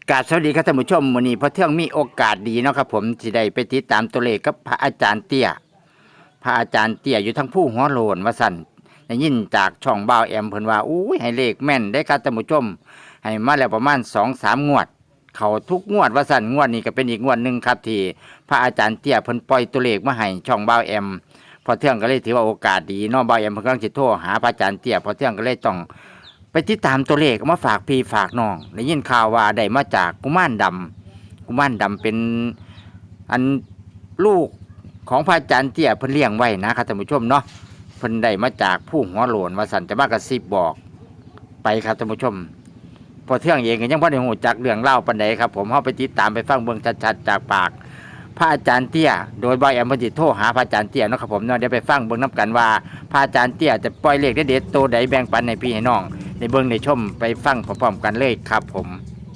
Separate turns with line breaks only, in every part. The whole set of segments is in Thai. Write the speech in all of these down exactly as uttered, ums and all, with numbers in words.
กราบสวัสดีครับท่านผู้ชมวันนี้พอเที่ยงมีโอกาสดีเนาะครับผมที่ได้ไปติดตามตัวเลขกับพระอาจารย์เตี้ยพระอาจารย์เตี้ยอยู่ทั้งผู้หัวโลนว่าสั่นได้ยินจากช่องบ่าวแอมเพิ่นว่าอู้ยให้เลขแม่นได้ครับท่านผู้ชมให้มาแล้วประมาณสองสามงวด เขาทุกงวดว่าสั่นงวดนี้ก็เป็นอีกงวดหนึ่งครับที่พระอาจารย์เตี้ยเพิ่นปล่อยตัวเลขมาให้ช่องบ่าวแอมพอเที่ยงก็เลยถือว่าโอกาสดีเนาะบ่าวแอมเพิ่นกำลังสิโทรหาพระอาจารย์เตี้ยพอเที่ยงก็เลยต้องไปติดตามตัวเลขมาฝากพี่ฝากน้องได้ยินข่าวว่าได้มาจากกุมารดำกุมารดำเป็นอันลูกของพระอาจารย์เตี้ยเพิ่นเลี้ยงไว้นะครับท่านผู้ชมเนาะเพิ่นได้มาจากผู้หัวโหลนว่าสั่นจะมากระซิบบอกไปครับท่านผู้ชมพอเที่ยงเองก็ยังบ่ได้ฮู้จักเรื่องเล่าปานใดครับผมเฮาไปติดตามไปฟังเบิ่งชัดๆจากปากพระอาจารย์เตี้ยโดยบ่าวแอมเพิ่นสิโทรหาพระอาจารย์เตี้ยเนาะครับผมเนาะเดี๋ยวไปฟังเบิ่งนํกันว่าพระอาจารย์เตี้ยจะปล่อยเลขเด็ดๆตัวใดแบ่งปันให้พี่ให้น้องในเบิ่งในชมไปฟังพร้อมๆกันเลยครับผม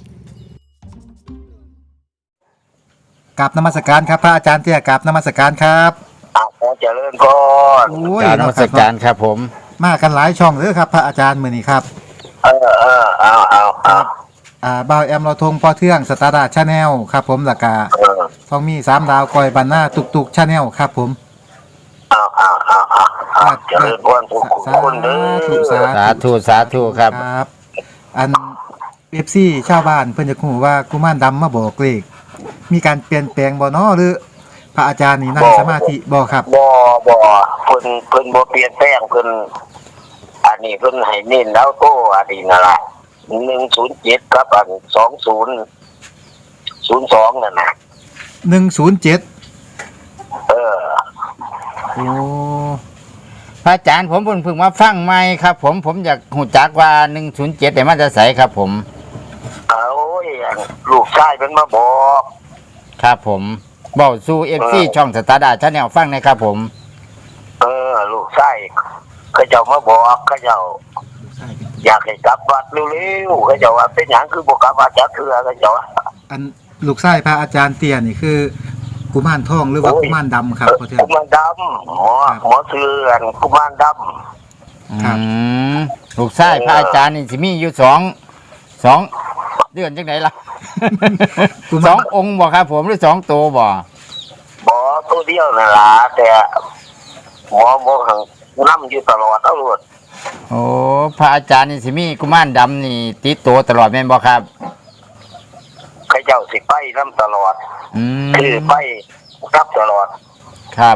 กราบนมัสการครับพระอาจารย์เตี้ยกราบนมัสการครับ
อาขอเจริญพร
โอ้ย
กราบนมัสการครับผม
มากันหลายช่องเลยครับพระอาจารย์มื้อนี้ครับ
เออเออเอาเอาเอา
อ่าบ่าวแอมเราทงพ่อเทื่องสตาร์ดาชาแนลครับผมแล้วก็
เออ
ทองมีสามดาวกอยบันหน้าตุกตุกชาแนลครับผม
เอาเอาเอาเอาเอาเจริญพรทุกคนเด้อ
สา
สาธุสาธุครับ
ครับอัน เอฟ ซี ชาวบ้านเพิ่นจะฮู้ว่ากุมารดำมาบอกเลขมีการเปลี่ยนแปลงบ่เนาะหรือพระอาจารย์นี่นั่งสมาธิบ่ครับ
บ่บ่เพิ่นเพิ่นบ่เปลี่ยนแปลงเพิ่นอันนี้เพิ่นให้เน้นแล้วโตอันนี้นั่นล่ะหนึ่งศูนย์เจ็ดครับอันสองศูนย์ศูนย์สองนั่นน่ะ
หนึ่งศูนย์เจ็ด
เออ
โอ้
พระอาจารย์ผมเพิ่งเพิ่งมาฟังใหม่ครับผมผมอยากหูจักว่าหนึ่งศูนย์เจ็ดแต่มาจะใสครับผม
เอาโอ้ยลูกชายเพิ่นมาบอก
ครับผมบอกสู่เอฟซีช่องสตาร์ดาชาแนลฟังนะครับผม
เออลูกชายเขาเจ้ามาบอกเขาเจ้าอยากให้กลับวัดเร็วๆเขาเจ้าว่าเป็นหยังคือบ่กลับวัดจักเทื่อเขาเจ้า
อันลูกชายพระอาจารย์เตี้ยนี่คือกุมารทองหรือว่ากุมารดำครับพ่อเทื่อง
กุมารดำหมอหมอเสือนกุมารดำ
อืมลูกชายพระอาจารย์นี่สิมีอยู่สองสองเดือนจังไหนล่ะ สององค์บ่ครับผมหรือสองตัวบ่
หมอตัวเดียวนั่นล่ะแต่หมอบ่หังนำอยู่ตลอดเอาโลด
โอ้พระอาจารย์นี่สิมีกุมารดำนี่ติดตัวตลอดแม่นบ่ครับ
เขาเจ้าสิไปนำตลอด
อืม
คือไปรับตลอด
ครับ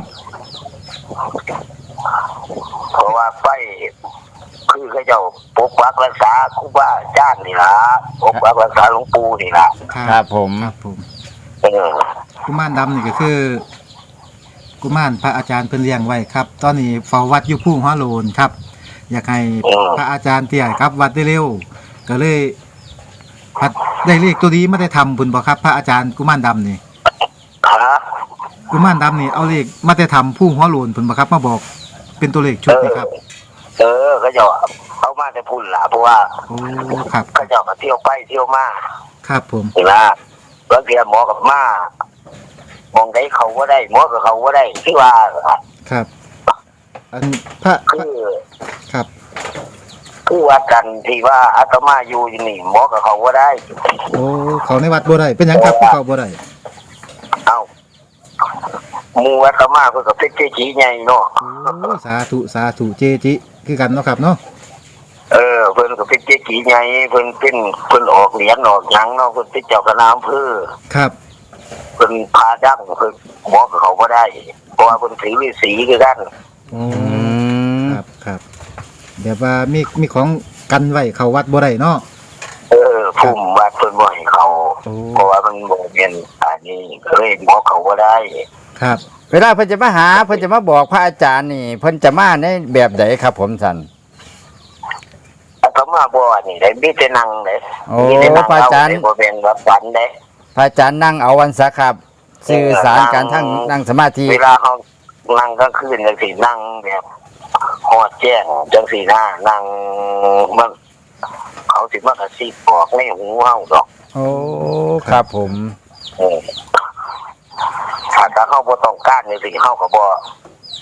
เพราะว่าไปคือเขาเจ้าปกปักรักษาครูบาอาจารย์นี่ล่ะปกปักรักษาหลวงปู่นี่ล่ะ
ครับผม
ครับผม
เออ
กุมารดำนี่ก็คือกุมารพระอาจารย์เพิ่นเลี้ยงไว้ครับตอนนี้เฝ้าวัดอยู่ผู้หัวโลนครับอยากให้พระอาจารย์เตี้ยครับวัดได้เร็วก็เลยพัดได้เลขตัวนี้ไม่ได้ทำบุญบ่ครับพระอาจารย์กุมารดำนี่
ฮะ
กุมารดำนี่เอาเลขมาได้ทำผู้หัวโลนเพิ่นบ่ครับมาบอกเป็นตัวเลขชุดนี่ครับ
เออเขาเจ้าเอามาแต่พุ่นล่ะเพราะว่า
โอ้ครับ
เขาเจ้าก็เที่ยวไปเที่ยวมา
ครับผม
นี่ล่ะบางทีหมอกับมามองได้เขาบ่ได้หมอกับเขาบ่ได้คือว่า
ครับอันพระ
คือ
ครับ
คือว่ากันที่ว่าอาตมาอยู่นี่หมอกับเขาบ่ได้
โอ้เขาในวัดบ่ได้เป็นหยังครับเขาบ่ได้
เอ้าหมู่อาตมาเพิ่นก็เป็นเกจิใหญ่เนาะ
โอ้สาธุสาธุเจจิคือกันเนาะครับเนาะ
เออเพิ่นก็เป็นเกจิใหญ่เพิ่นเป็นเพิ่นออกเหรียญออกหยังเนาะเพิ่นเป็นเจ้าคณะอำเภอ
ครับ
เพิ่นพาดั้งเพิ่นหมอกับเขาบ่ได้เพราะว่าเพิ่นถือฤาษีคือกัน
อืมครับครับแบบว่ามีมีของกันไว้เข้าวัดบ่ได้เนาะ
เออภูมิวัดเพิ่นบ่ให้เขาเพราะว่ามันบ่แม่นอันนี้ก็เลยหมอเขาบ่ได้
ครับ
เวลาเพิ่นจะมาหาเพิ่นจะมาบอกพระอาจารย์นี่เพิ่นจะมาในแบบใดครับผมสั่น
อาตมาบ่นี่ได้มีแต่นั่งเด้
มีแต่นั่งพระอาจารย์
บ่เป็นรับฝันเด้
พระอาจารย์นั่งเอาวันซะครับสื่อสารการทั้งนั่งสมาธิ
เวลาเฮานั่งกลางคืนจังซี่นั่งแบบฮอดแจ้งจังซี่นะนั่งมันเขาสิมากระซิบบอกในหูเฮาดอก
โอ้ครับผม
เออถ้าเขาบ่ต้องการในสิ่งเขาก็บ่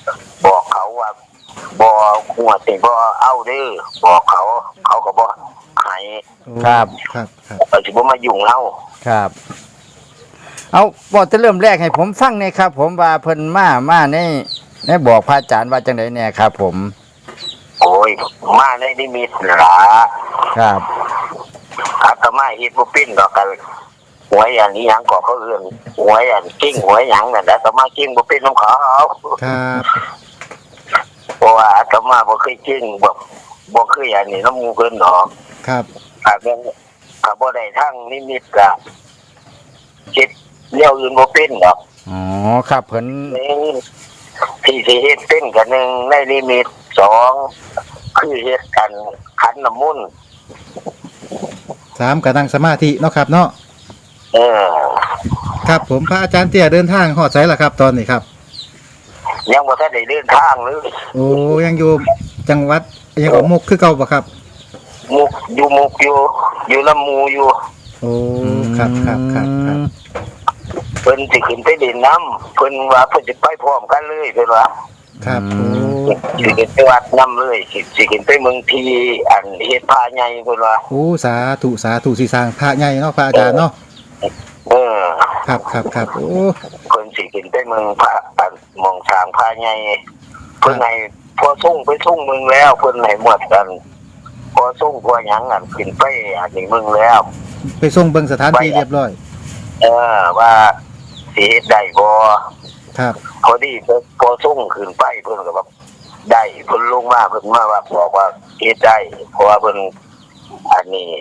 บอกเขาว่าบ่หัวติบ่เอาเด้อบอกเขาเขาก็บ่ให้
โอ้
ครับ
ครับครับ
เราสิบ่มายุ่งเฮา
ครับ เอาบอกจะเริ่มแรกให้ผมฟังเนี่ยครับ ผมว่าเพิ่นมามาในในบอกพระอาจารย์ว่าจังไดแน่ครับ ผม
โอ้ยมาในนิมิตล่ะ
ครับ
อาตมาเฮ็ดบ่เป็นดอกกันหวยอันนี้หยังก็เขาเอื้อนหวยอันกิ้งหวยหยังนั่นแหละอาตมากิ้งบ่เป็นนำเขา
ครับ
เพราะว่าอาตมาบ่เคยกิ้งบ่บ่เคยอันนี้นำหมู่เพิ่นดอก
ครับ
ถ้าแม่นถ้าบ่ได้ทางนิมิตก็เฮ็ดแนวอื่นบ่เป็นดอก
อ๋อครับเพิ่น
หนึ่งที่สิเฮ็ดเป็นก็หนึ่งในนิมิตสองคือเฮ็ดกันขันน้ำมนต์
สามก็นั่งสมาธิเนาะครับเนาะ
เออ
ครับผมพระอาจารย์เตี้ยเดินทางฮอดไสล่ะครับ ตอนนี้ครับ
ยังบ่ทันได้เดินทางเลย
โอ้ยังอยู่จังหวัดยังออกมุกคือเก่าบ่ครับ
มุกอยู่มุกอยู่อยู่ลำมูอยู่
โอ้ครับครับครับครับ
เพิ่นสิขึ้นไปเล่นน้ำเพิ่นว่าเพิ่นสิไปพร้อมกันเลยเพิ่นว่า
ครับโอ้
สิขึ้นไปวัดน้ำเลยสิสิขึ้นไปเมืองทีอันเฮ็ดพาใหญ่เพิ่นว่า
โอ้สาธุสาธุสิสร้างพระใหญ่เนาะพระอาจารย์เนาะ
เออ
ครับครับครับโอ้
เพิ่นสิขึ้นไปเมืองพระอันหมองสร้างพาใหญ่เพิ่นให้พอส่งไปส่งเมืองแล้วเพิ่นให้หมดกันพอส่งพอหยังอันขึ้นไปอันนี้เมืองแล้ว
ไปส่งเบิ่งสถานที่เรียบร้อย
เออว่าสิเฮ็ดได้บ่
ครับ
พอดีพอส่งขึ้นไปเพิ่นก็แบบได้เพิ่นลงมาเพิ่นมาว่าบอกว่าเฮ็ดได้เพราะว่าเพิ่นอันนี้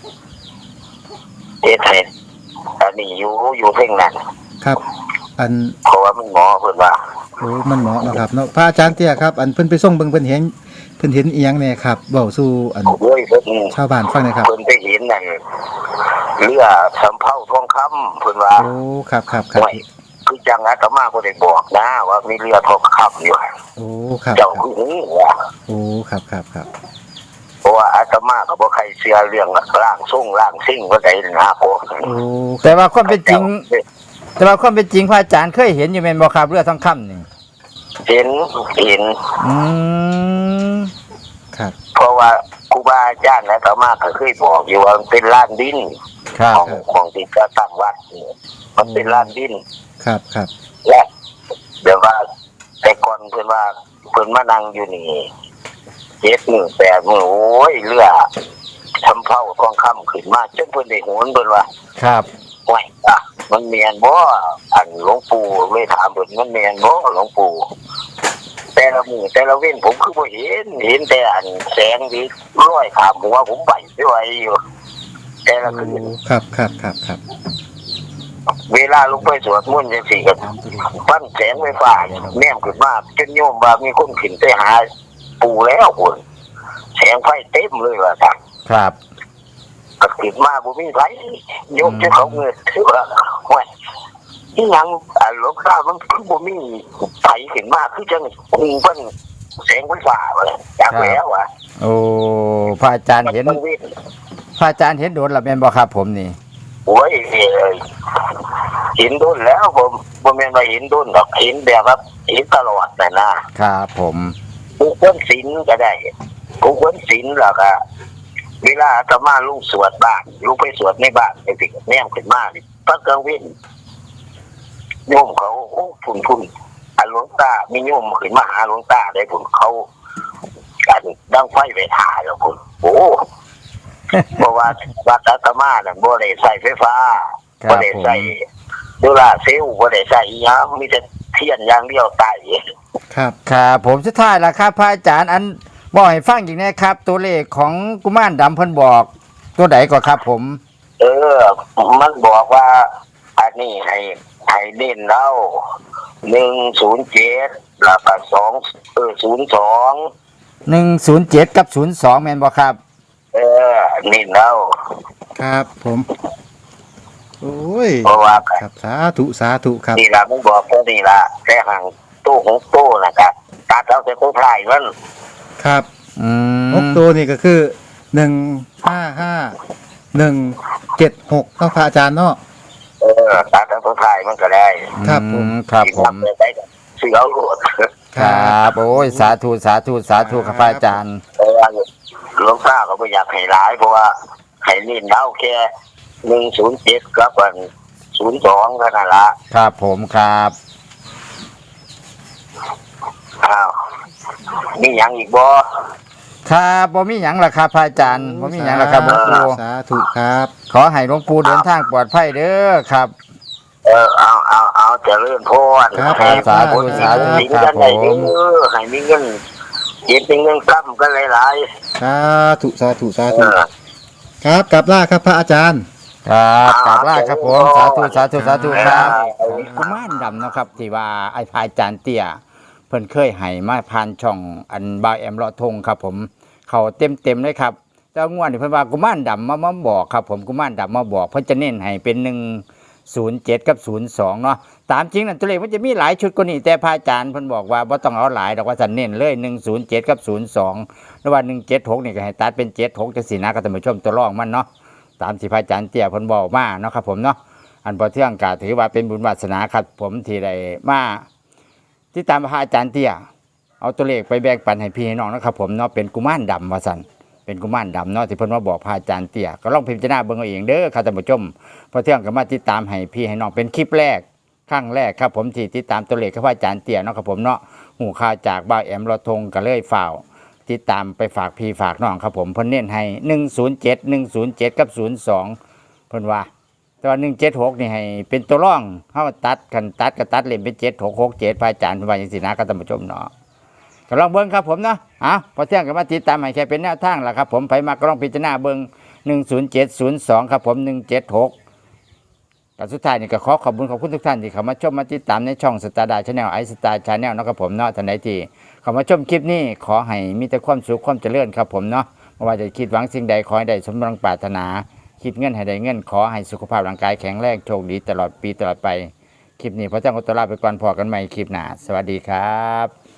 เฮ็ดให้อันนี้อยู่อยู่เพ่งนั้น
ครับ อัน
เพราะว่ามันหมอเพิ่นว่า
โอ้มันเหมาะเนาะครับเนาะพระอาจารย์เตี้ยครับอันเพิ่นไปส่งเบิ่งเพิ่นเห็นเพิ่นเห็นอีหยังแน่ครับเว้าสู่อัน
โอ้ยเพิ่น
ชาวบ้านฟังหน่อยครับ
เพิ่นไปเห็นนั่นเรือสำเภาทองคำเพิ่นว่า
โอ้ครับครับครับ
ไว้คือจังอาตมาบ่ได้บอกนะว่ามีเรือทองคำอยู่
โอ้ครับค
เจ้า
รับ
คือหูว่า
โอ้ครับครับครับ
เพราะว่าอาตมาก็บ่ใครเชื่อเรื่องร่างทรงร่างสิ่งว่าใดนะโอ้
โอ้
แต่ว่าความเป็นจริง แต่ว่าความเป็นจริงพระอาจารย์เคยเห็นอยู่แม่นบ่ครับเรือทองคำนี่
เห็นเห็น
อืม
ครับ
เพราะว่าครูบาอาจารย์และอาตมาก็เคยบอกอยู่ว่ามันเป็นลานดิน
ครับ
ของของที่จะตั้งวัดนี่มันเป็นลานดิน
ครับครับ
และเดี๋ยวว่าแต่ก่อนเพิ่นว่าเพิ่นมานั่งอยู่นี่เจ็ดมือแปดมือโอ้ยเรือทำเผาทองคำขึ้นมาจนเพิ่นได้โหนเพิ่นว่า
ครับ
โอ้ยอ่ะมันเมียนบ่อันหลวงปู่เลยถามเพิ่นมันเมียนบ่หลวงปู่แต่ละมือแต่ละเว้นผมคือบ่เห็นเห็นแต่อันแสงที่ลอยขามหัวผมไปไม่ไหวอยู่แต่ละคืน
ครับครับครับครับ
เวลาลงไปสวดมนต์จังซี่ก็ปั้นแสงไฟฟ้าแนมขึ้นมาจนโยมว่ามีคนขึ้นไปหาปู่แล้วพุ่นแสงไฟเต็มเลยว่าซั่น
ครับ
ก็ขึ้นมาบ่มีไผโยมจะเขาเงินคือว่าโอ้ยที่หยังอ่าหลวงตามันคือบ่มีไผขึ้นมาคือจังคงเพิ่นแสงไฟฟ้าว่าจากแล้วอ่ะ
โอ้พระอาจารย์เห็น
มันวิ่ง
พระอาจารย์เห็นโดนแล้วแม่นบ่ครับผมนี่
โอ้ยเอ้ยเห็นดุนแล้วผมบ่แม่นว่าเห็นดุนดอกเห็นแบบว่าเห็นตลอดน่ะนะครับ
ผม
กูควรศีลก็ได้กูควรศีลแล้วก็เวลาอาตมาลุงสวดบ้านลุงไปสวดในบ้านไอ้สิแนมขึ้นมานี่พระกลางเว้นโยมเขาโอ้พุ่นพุ่นอันหลวงตามีโยมขึ้นมาหาหลวงตาได้พุ่นเขากันดังไฟไปถ่ายแล้วพุ่นโอ้ เพราะว่าวัดอาตมาน่ะบ่ได้ใส่ไฟฟ้า
ครับ
บ่ได้ใส่โซล่าร์เซลล์บ่ได้ใส่อีหยังมีแต่เทียนอย่างเดียวตาย
ครับ
ครับผมสุดท้ายแล้วครับพระอาจารย์อันบอกให้ฟังอีกนะครับ ตัวเลขของกุมารดำเพิ่นบอกตัวใดก็ครับผม
เออ มันบอกว่า อันนี้ให้ให้เน้นแล้วหนึ่งศูนย์เจ็ดแล้วก็สองเออศูนย์สอง
หนึ่งศูนย์เจ็ดกับศูนย์สองแม่นบ่ครับ
เออเน้นแล้ว
ครับผมโอ้ย
เพราะว่า
ครับสาธุสาธุครับ
นี่ล่ะมันบอกแค่นี้ล่ะแต่ห่างตู้ของตู้นะครับตัดเอาแต่โคถ่ายมัน
ครับ
อืม
หกตัวนี่ก็คือหนึ่งห้าห้าหนึ่งเจ็ดหกเนาะพระอาจารย์เนาะ
เออตัดเอาโคถ่ายมันก็ได้
ครับผม
อืครับผม
ทำได้ก็ซื้อเอาโหลด
ครับโอ้ยสาธุสาธุสาธุครับพระอาจารย์
เออหลวงตาก็ไม่อยากให้หลายเพราะว่าให้เน้นเอาแค่หนึ่งศูนย์เจ็ดกับอันศูนย์สองเท่านั้นละ
ครับผมครับ
อ้าวมีหยังอีกบ่
ครับบ่มีหยังล่ะครับพระอาจารย์บ่มีหยังล่ะครับหลวงปู่
สาธุครับ
ขอให้หลวงปู่เดินทางปลอดภัยเด้อครับ
เออเอาเอาเอาเจะเลื่อนพร
ครับ
ให้
สาธุ
คน
สาธุ
มี
ครับ
เงินได้
ผม
เด้อให้มีเงินเก็บเป็นเงินกำกันหลาย
สาธุสาธุสา
ๆเอ
ธุ
อ
ครับกลับล่าครับพระอาจารย์
ครับกราบลาครับผมสาธุสาธุสาธุครับ
ครับ
กุมารดำเนาะครับที่ว่าไอ้พระอาจารย์เตี้ยเพิ่นเคยให้มาผ่านช่องอันบาวแอมเลาะทงครับผมเขาเต็มเต็มๆเลยครับแต่งวดนี่เพิ่นว่ากุมารดำมามาบอกครับผมกุมารดำมาบอกเพิ่นจะเน้นให้เป็นหนึ่งศูนย์เจ็ดกับศูนย์สองเนาะตามจริงนั่นตัวเลขมันจะมีหลายชุดกว่านี้แต่พระอาจารย์เพิ่นบอกว่าบ่ต้องเอาหลายดอกว่าจะเน้นเลยหนึ่งศูนย์เจ็ดกับศูนย์สองหรือว่าหนึ่งเจ็ดหกนี่ก็ให้ตัดเป็นเจ็ดหกจังซี่นะก็ท่านผู้ชมตัวรองมันเนาะตามที่พระอาจารย์เตี้ยเพิ่นบอกมาเนาะครับผมเนาะอันพอเที่ยงก็ถือว่าเป็นบุญวาสนาครับผมที่ได้มาที่ตามพระอาจารย์เตี้ยเอาตัวเลขไปแบ่งปันให้พี่ให้น้องนะครับผมเนาะเป็นกุมารดำว่าซั่นเป็นกุมารดำเนาะที่เพิ่นมาบอกพระอาจารย์เตี้ยก็ลองพิจารณาเบิ่งเอาเองเด้อครับท่านผู้ชมพอเที่ยงก็มาติดตามให้พี่ให้น้องเป็นคลิปแรกครั้งแรกครับผมที่ติดตามตัวเลขกับพระอาจารย์เตี้ยเนาะครับผมเนาะหูข่าวจากบ่าวแอมรอทงก็เลยฝ่าวติดตามไปฝากพี่ฝากน้องครับผมเพิ่นเน้นให้หนึ่งศูนย์เจ็ด หนึ่งศูนย์เจ็ดกับศูนย์สองเพิ่นว่าแต่ว่าหนึ่งเจ็ดหกนี่ให้เป็นตัวร่องเฮาตัดกันตัดก็ตัดเล่นเป็นเจ็ดหกหกเจ็ดพระอาจารย์เพิ่นว่าจังซี่นะครับท่านผู้ชมเนาะก็ลองเบิ่งครับผมเนาะอ่ะพอเที่ยงก็มาติดตามให้แค่เป็นแนวทางล่ะครับผมไผมาก็ลองพิจารณาเบิ่งหนึ่งศูนย์เจ็ด ศูนย์สองครับผมหนึ่งเจ็ดหกแต่สุดท้ายนี่ก็ขอขอบคุณขอบคุณทุกท่านที่เข้ามาชมมาติดตามในช่องสตาร์ดาชาแนลไอสตาร์ชาแนลนะครับผมเนาะท่านใดที่เข้ามาชมคลิปนี้ขอให้มีแต่ความสุขความเจริญครับผมเนาะไม่ว่าจะคิดหวังสิ่งใดขอให้ได้สมดังปรารถนาคิดเงินให้ได้เงินขอให้สุขภาพร่างกายแข็งแรงโชคดีตลอดปีตลอดไปคลิปนี้พระเจ้าก็ตวลาไปก่อนพอกันใหม่คลิปหน้าสวัสดีครับ